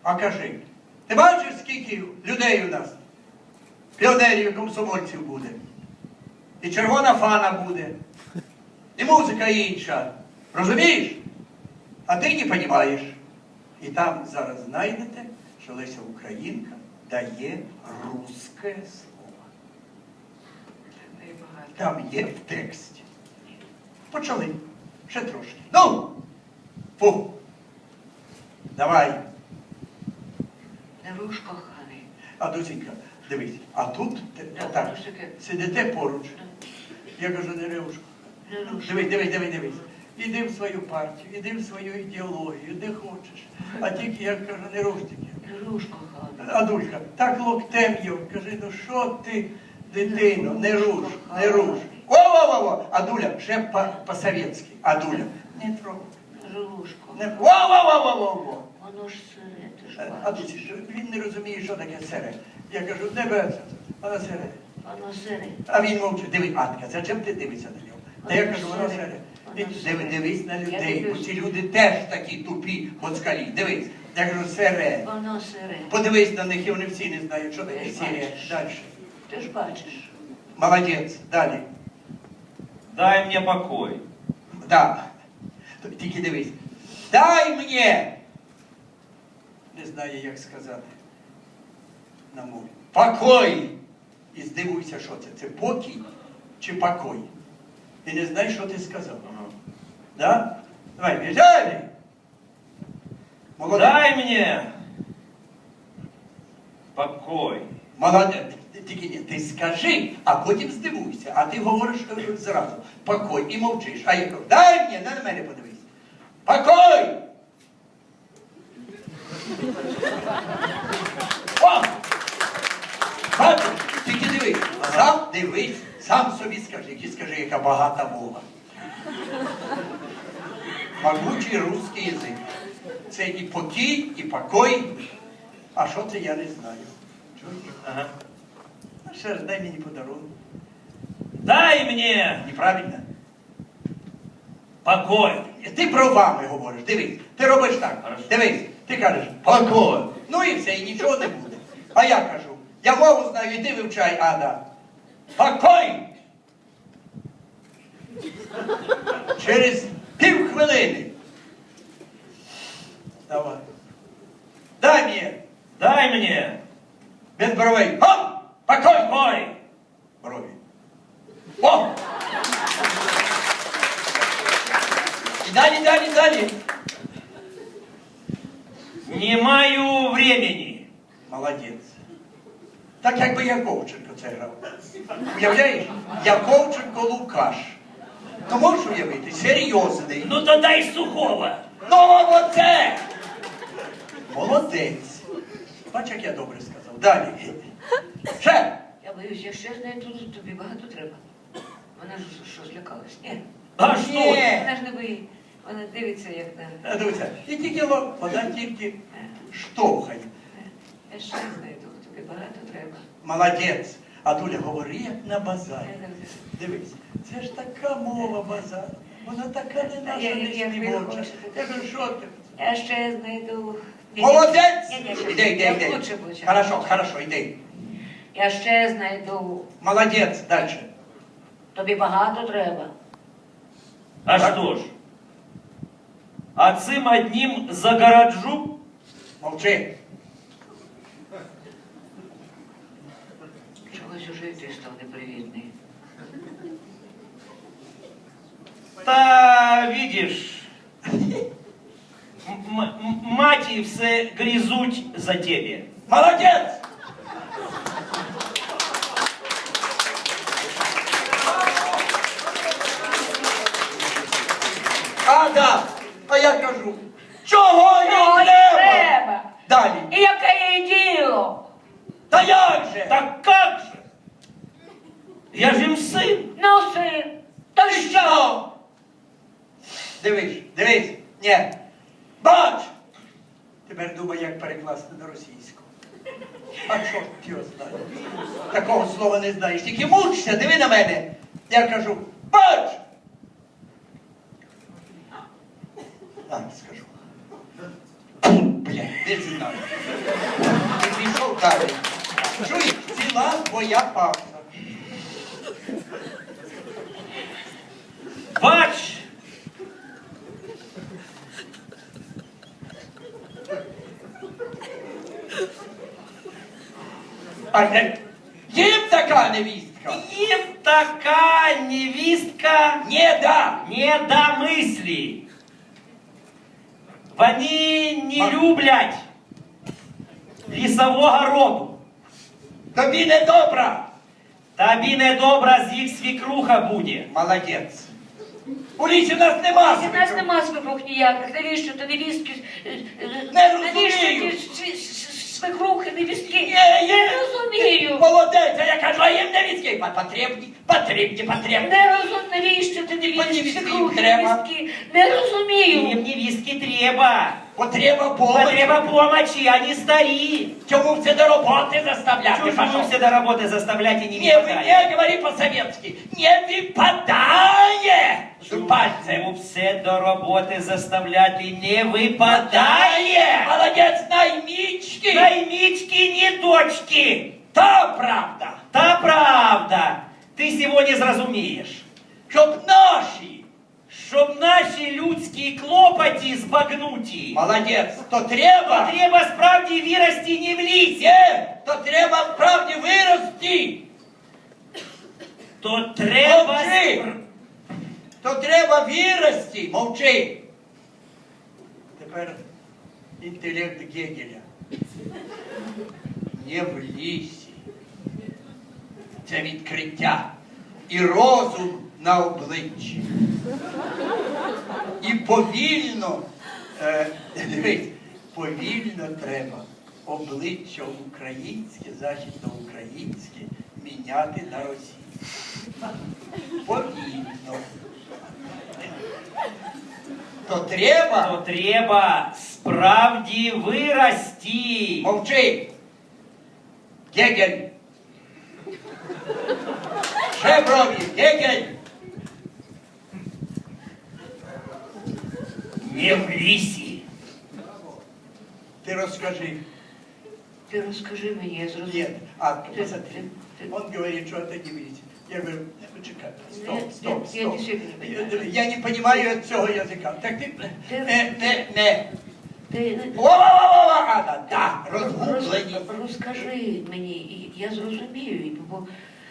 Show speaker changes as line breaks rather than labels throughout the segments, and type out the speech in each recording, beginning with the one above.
А кажи, ти бачиш, скільки людей у нас? Піонерів і комсомольців буде. І червона фана буде. І музика інша. Розумієш? А ти не розумієш. І там зараз знайдете, що Леся Українка дає русське слово. Там є в тексті. Почали. Ще трошки. Ну! Фу! Давай.
Не руш, коханий.
А, досінька, дивись. А тут, так, сидите поруч. Я кажу, не ревушку. Дивись. Іди в свою партію, іди в свою ідеологію, де хочеш. А тільки, я кажу, не руш тільки.
Не руш, коханий.
Адулька, так локтем його, кажи, ну що ти, дитино, не руш, не руш. Во-во-во-во! Адуля, ще по-совєтськи. Адуля, не трогай.
Не руш,
Не...
коханий.
Во-во-во-во-во!
Воно ж сире, ти ж
Адуля,
бачиш.
він не розуміє, що таке сере. Я кажу, не береться, вона сере.
Воно сире.
А він мовчить. Диви, Атка, зачем ти дивишся на нього? Та я кажу, воно сере. Дивись на людей, бо ці люди теж такі тупі москалі. Дивись. Я кажу, сере.
Воно сире.
Подивись на них, і вони всі не знають, що таке
Ти ж
сере.
бачиш.
Далі.
Ти ж бачиш.
Молодець. Далі.
Дай мне покой.
Так. Тільки дивись. Дай мені! Не знаю, як сказати. На мові. Покой! І здивуйся, що це. Це покій чи покой? І не знаєш, що ти сказав. Да? Давай, Віталій! Молодець.
Дай мне покой.
Молодець. Тільки ні, ти скажи, а потім здивуйся. А ти говориш зразу. Покой. І мовчиш. А я кажу, дай мені, на мене подивись. Покой! О! Бачиш? Тільки дивись. Сам дивись, сам собі скажи. І скажи, яка багата мова. Могучий русський язик. Це і покій, і покой. А що це, я не знаю. Чуєте?
Ага.
А ще раз, дай мені подарунок.
Дай мне
Неправильно?
покой.
Ти бровами говориш, дивись. Ти робиш так.
Хорошо.
Дивись. Ти кажеш, покой. Ну і все, і нічого не буде. А я кажу, я мову знаю, іди вивчай, Ада. Покой! Через півхвилини. Давай. Дай мені.
Дай мне
Без бровей. Хоп! Покой!
покой.
Брові. О! І далі.
Не маю времени.
Молодець. Так якби Яковченко це грав. Уявляєш? Яковченко Лукаш. Ну можеш уявити? Серйозний.
Ну то дай сухого.
Ну оце! Молодець. Бач, як я добре сказав. Далі. Ще!
Я боюсь, якщо я знайду, тобі багато треба. Вона ж що, злякалась? Ні.
А что?
Ні.
Вона ж не боїть. Вона дивиться, як на...
Дивіться, і тільки вона тільки штовхає.
Я ще знайду, тобі багато треба.
Молодець. А Дуля, говори, як на базарі. Дивись, це ж така мова базар. Вона така не наша,
Я
не співоча.
хочете.
Я кажу, що ти?
Я ще знайду...
Молодець!
Ні,
Іди.
Лучше буде.
Хорошо, іди.
Я ще знайду...
Молодець, далі.
Тобі багато треба.
А
Так.
что ж? А цим одним загороджу?
Мовчи.
Чогось уже і ти став непривітний.
Та видишь, маті все грізуть за тебе.
Молодець! Ада, а я кажу, чого їй треба? Далі.
І яке їй діло?
Та як же?
Так как же? Я ж їм син.
Ну, син, то що?
Дивись. Ні. Бач! Тепер думай, як перекласти на російську. А чорт його знає. Такого слова не знаєш. Тільки мучся, диви на мене. Я кажу, бач! Так, скажу. Блядь. Не знаю. І пішов далі. Чуєш, ціла твоя пауза.
Бач!
А їм така невістка.
Им такая невістка
Не да.
не до мысли. Вони не люблять лісового роду.
Тобі не добра.
Тобі недобра з їх свікруха буде.
Молодець. У лісі нас нема.
У нас нема свекрух ніяких. Навіщо ти невістки?
Не
Навіщо
розумію.
ті свекрухи, невістки?
Є.
Не розумію.
Молодець, а я кажу, а їм невістки. Потрібні.
Навіщо ти
Невістки
невістки,
їм
свекрухи,
треба.
невістки? Не розумію.
Їм невістки треба.
Потреба помочі.
Потреба помочи, они старі.
Чому це до роботи заставляти?
Чужую
пошов?
все до работы заставлять и не
Не,
выпадает.
не говори по-советски. Не випадає з пальцем.
Чому все до роботи заставлять и не випадає?
Молодець, наймічки.
Наймички не дочки.
Та правда.
Та правда. Ти сьогодні зрозумієш.
Щоб
Щоб наші людські клопоті збагнуті,
молодець, то треба.
треба справді вирости не в лісі.
Є, то треба справді вирости.
То треба...
Мовчи. То треба вирости. Мовчи. Тепер інтелект Гегеля. Не в лісі. Це відкриття. І розум на обличчі. І повільно, дивись, повільно треба обличчя українське, західноукраїнське міняти на російське. Повільно. То треба.
То треба справді вирости.
Мовчи. Гегель. Ще брові. Гегель.
Не в лісі.
Ти розкажи.
Ти розкажи мені, я зрозумію.
Нет. А,
Ты-
посмотри.
ты-
Он говорит, что это не видите. Я говорю, почекай, стоп,
Нет,
стоп,
нет, я
стоп.
действительно не понимаю.
Я не понимаю цього язика. Так ти, не.
Ти
Ва-ва-ва-ва, а, да, розгублені.
розкажи мені, і я зрозумію, бо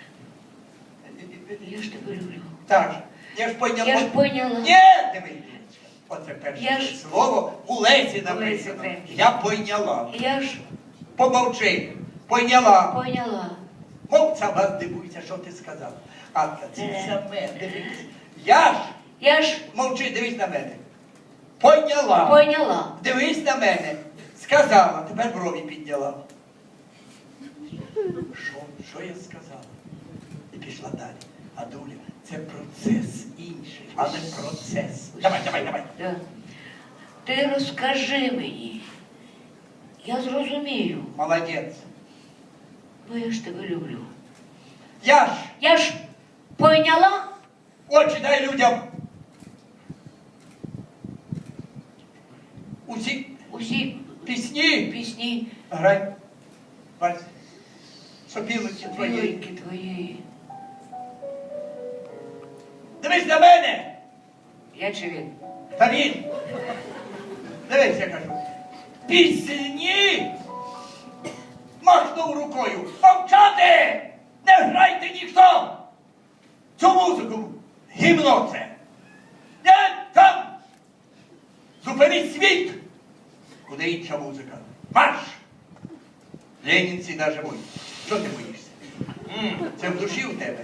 я ж тебе люблю.
Так, я ж поняла.
Я ж поняла.
Ні, диви. Оце перше
Я ж-
слово у Лесі написано.
Лесі Українки.
Я поняла.
Я ж
Помовчи. Поняла.
поняла.
Мовця вас дивуйся, що ти сказав. Атка, це саме, дивись. Я ж, мовчи, дивись на мене. Поняла.
Поняла.
Дивись на мене. Сказала, тепер брові підняла. Що я сказала? І пішла далі. А доля, це процес інший, але процес. Давай.
Да. Ти розкажи мені. Я зрозумію,
Молодець.
бо я ж тебе люблю.
Я ж,
Поняла?
очі дай людям.
Усі
Пісні.
пісні
Грай. Вальс. Сопілиці твої.
біленькі твої.
Дивись на мене.
Я чи він?
Та він. Дивись, я кажу. Пісні. Махнув рукою. Мовчати! Не грайте ніхто! Цю музику. Гімно це. Не там. Зупиніть світ. Куди інша музика? Марш! Ленінці даже бой. Що ти боїшся? Це в душі у тебе.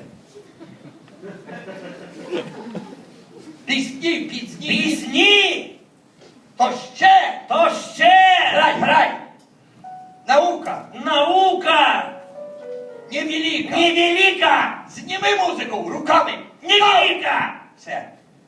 Пісні.
Пісні!
То ще!
То ще!
Грай! Наука!
Наука!
Невелика!
Невелика!
Зніми музику руками!
Невелика!
Все.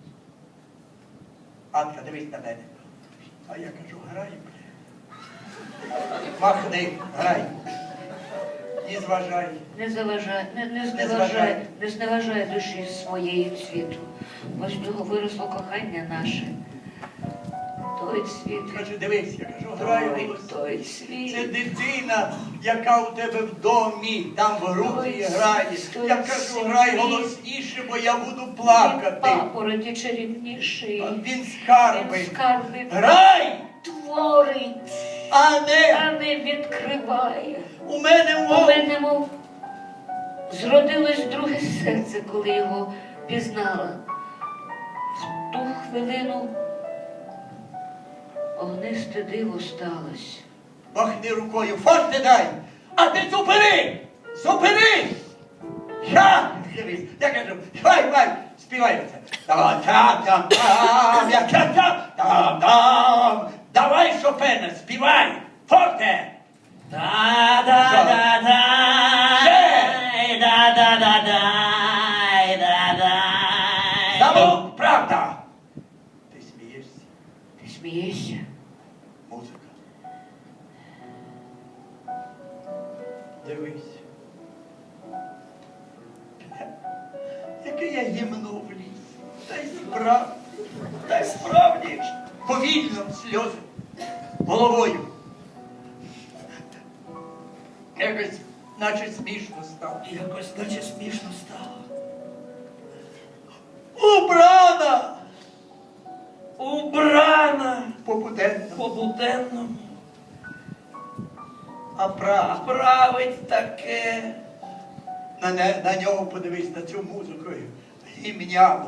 Анка, дивись на мене. А я кажу, грай, бля. Махни, грай. Не зважай.
Не заважай, не
зважай.
зневажай, не зневажай душі своєї світу. Бо з нього виросло кохання наше. Той світ.
Кажу, дивись, я кажу, грай
Ой,
голосніше.
той
Це
світ.
дитина, яка у тебе в домі, там в груді грає.
Той
Я кажу, грай
світ.
голосніше, бо я буду
Він
плакати.
папороті чарівніший.
Він скарби.
Він скарби
Грай,
творить,
а не
а не відкриває.
у мене
У
мов.
мене мов зродилось друге серце, коли його пізнала. В ту хвилину огнисте диво сталося.
Махни рукою, форте дай, а ти зупини! Зупини! Дивись, я кажу, хай, співай оце. Та-та-там, я-та-та-там. Давай, Шопена, співай, форте!
Да-да-да-дай, да-да-да-дай, да-дай.
Замовк, правда! Ти смієшся?
Ти смієшся?
Музика. Дивись. Яке я гімно в ліс. Та й справді, повільно сльози, головою. Якось, наче смішно стало.
Якось наче смішно стало.
Убрана!
Убрана
По-буденному.
по-буденному,
А правда.
править таке.
На нього подивись, на цю музику гімняну.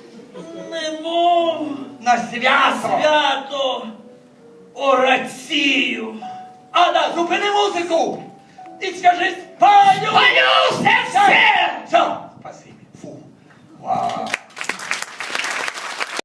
Немов
На свято.
свято орацію.
Ада, зупини музику! І скажи спалю!
Палю все!
Все! Спасибі. Фу. Вау.